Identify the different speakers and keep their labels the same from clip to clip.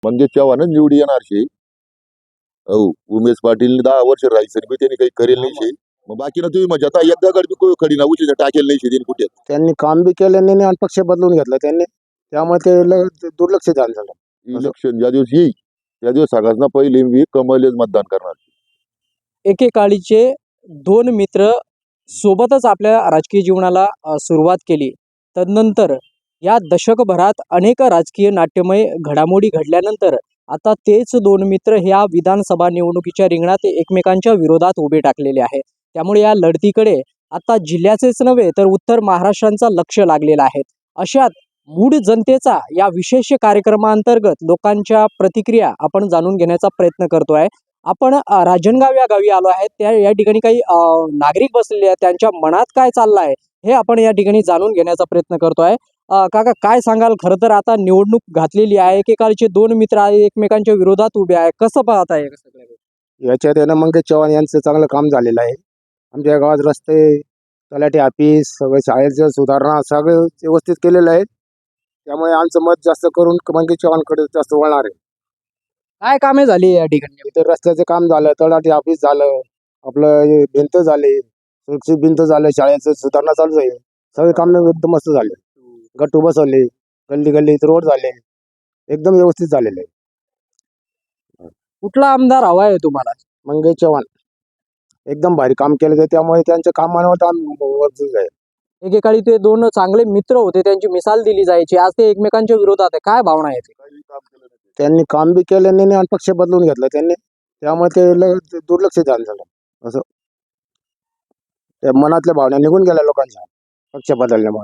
Speaker 1: म्हणजे चव्हाणच निवडी येणार शे. हो, उमेश पाटील 10 वर्ष राहायचं बी त्यांनी काही करेल नाही शे. मग बाकी ना तुम्ही म्हणजे आता एकदा गड बी खडी ना उचल टाकेल नाही शे त्यांनी कुठे.
Speaker 2: त्यांनी काम बी केलं नाही आणि पक्ष बदलून घेतला त्यांनी, त्यामुळे ते दुर्लक्ष झालं.
Speaker 1: इलेक्शन ज्या दिवस येईल त्या दिवस सगळ्यांना पहिले मी कमळच मतदान करणार.
Speaker 3: एकेकाळीचे दोन मित्र सोबतच आपल्या राजकीय जीवनाला सुरुवात केली. तदनंतर या दशकभरात अनेक राजकीय नाट्यमय घडामोडी घडल्यानंतर आता तेच दोन मित्र ह्या विधानसभा निवडणुकीच्या रिंगणात एकमेकांच्या विरोधात उभे टाकलेले आहेत. त्यामुळे या लढतीकडे आता जिल्ह्याचेच नव्हे तर उत्तर महाराष्ट्राचा लक्ष लागलेलं आहे. अशात मूळ जनतेचा या विशेष कार्यक्रमांतर्गत लोकांच्या प्रतिक्रिया आपण जाणून घेण्याचा प्रयत्न करतोय. आपण राजनगाव या गावी आलो आहे. या ठिकाणी काही नागरिक बसलेले आहेत. त्यांच्या मनात काय चाललं आहे हे आपण या ठिकाणी जाणून घेण्याचा प्रयत्न करतोय. काका काय सांगाल? खरं तर आता निवडणूक घातलेली आहे. एकेकाळचे दोन मित्र आहे एकमेकांच्या विरोधात उभे आहे. कसं पाहताय
Speaker 2: याच्यात आहे ना मंगेश चव्हाण यांचं चांगलं काम झालेलं आहे. आमच्या गावात रस्ते, तलाठी ऑफिस, सगळं शाळेचं सुधारणा सगळं व्यवस्थित केलेलं आहे. त्यामुळे आमचं मत जास्त करून मंगेश चव्हाणकडे जास्त वळणार आहे.
Speaker 3: काय कामे झाली या ठिकाणी?
Speaker 2: इथं रस्त्याचं काम झालं, तलाठी ऑफिस झालं, आपलं हे भिंत झाले, सुरक्षित भिंत झालं, शाळेचं सुधारणा चालू आहे. सगळे काम एकदम मस्त झाले. गट्टू बसवले, गल्ली गल्लीत रोड झाले, एकदम व्यवस्थित झालेले आहे.
Speaker 3: कुठला आमदार हवा आहे तुम्हाला?
Speaker 2: मंगेश चव्हाण एकदम भारी काम केलं आहे, त्यामुळे त्यांच्या कामावर वरच आहे.
Speaker 3: एकेकाळी ते दोन चांगले मित्र होते, त्यांची मिसाल दिली जायची. आज ते एकमेकांच्या विरोधात आहे. काय भावना आहेत?
Speaker 2: त्यांनी काम बी केलं नाही आणि पक्ष बदलून घेतला त्यांनी, त्यामुळे ते दुर्लक्ष झालं. असं त्या मनातल्या भावना निघून गेल्या लोकांच्या पक्ष बदलल्यामुळे.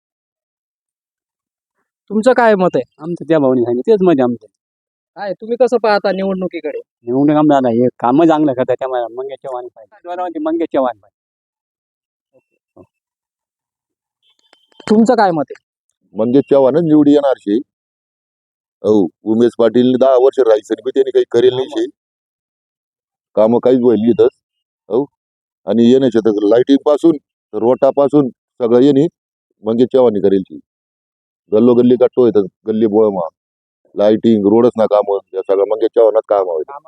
Speaker 3: तुमचं काय मत आहे?
Speaker 4: आमचं त्या भावनी सांगितलं तेच म्हणजे आमचं
Speaker 3: काय तुम्ही कसं पाहता निवडणुकीकडे?
Speaker 4: निवडणूक आमदार हे कामं चांगलं करतात त्यामुळे मंगेश चव्हाण पाहिजे. मंगेश चव्हाण पाहिजे.
Speaker 3: तुमचं काय मत आहे?
Speaker 1: म्हणजे चव्हाणच निवडी येणार शे. हो, उमेश पाटील 10 वर्ष राहायचं बी त्यांनी काही करेल नाही शे. कामं काहीच होईल इथंच. हो, आणि येण्याच्या तर लाईटिंग पासून रोटापासून सगळं येणे म्हणजे चव्हाणी करेल शे. गल्लोगल्ली गट्टो येतात, गल्ली बोळमा लाईटिंग रोडच ना काम या सगळं म्हणजे चव्हाणात काम हवं.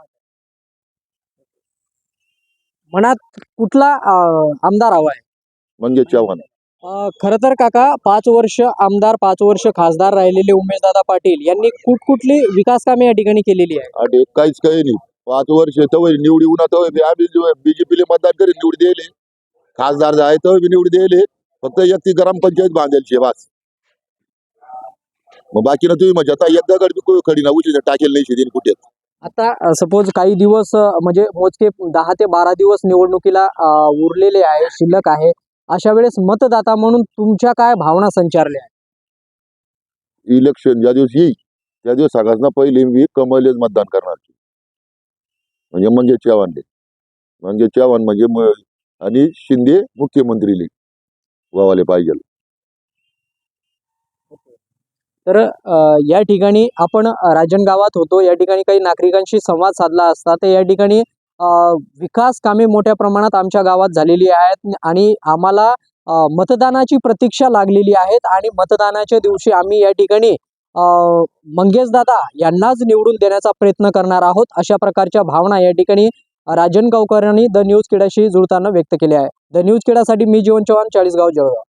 Speaker 3: मनात कुठला आमदार हवा आहे?
Speaker 1: म्हणजे चव्हाण.
Speaker 3: खरं तर काका 5 वर्ष आमदार 5 वर्ष खासदार राहिलेले उमेशदादा पाटील यांनी कुठकुठली विकास कामे या ठिकाणी केलेली आहे?
Speaker 1: आणि काहीच काही नाही. 5 वर्ष तवय निवडी उन्हा तवय आम्ही बीजेपीले मतदान करीत निवडी दिले. खासदार आहे तवय बी निवडी दिले. फक्त एक ती ग्रामपंचायत बांधेल शे बस. मग बाकी ना तुम्ही म्हणजे आता एकदा गड बी खडी ना उचल टाकेल नाही शे कुठे.
Speaker 3: आता सपोज काही दिवस म्हणजे मोजके 10 ते 12 दिवस निवडणुकीला उरलेले आहे, शिल्लक आहे. अशा वेळेस मतदाता म्हणून तुमच्या काय भावना संचारल्या आहेत?
Speaker 1: इलेक्शन ज्या दिवस येईल त्या दिवस सगळ्यांना पहिले मी कमळच मतदान करणार. म्हणजे चव्हाणले म्हणजे चव्हाण म्हणजे आणि शिंदे मुख्यमंत्रीले व्हावाले पाहिजे.
Speaker 3: तर या ठिकाणी आपण राजनगावात होतो. या ठिकाणी काही नागरिकांशी संवाद साधला असता तर या ठिकाणी विकास कामे मोठ्या प्रमाणात आमच्या गावात झालेली आहेत आणि आम्हाला मतदानाची प्रतीक्षा लागलेली आहेत आणि मतदानाच्या दिवशी आम्ही या ठिकाणी मंगेशदादा यांनाच निवडून देण्याचा प्रयत्न करणार आहोत. अशा प्रकारच्या भावना या ठिकाणी राजनगावकरांनी द न्यूज खेडाशी जुळताना व्यक्त केल्या आहे. द न्यूज खेडासाठी मी जीवन चव्हाण, चाळीसगाव, जळगाव.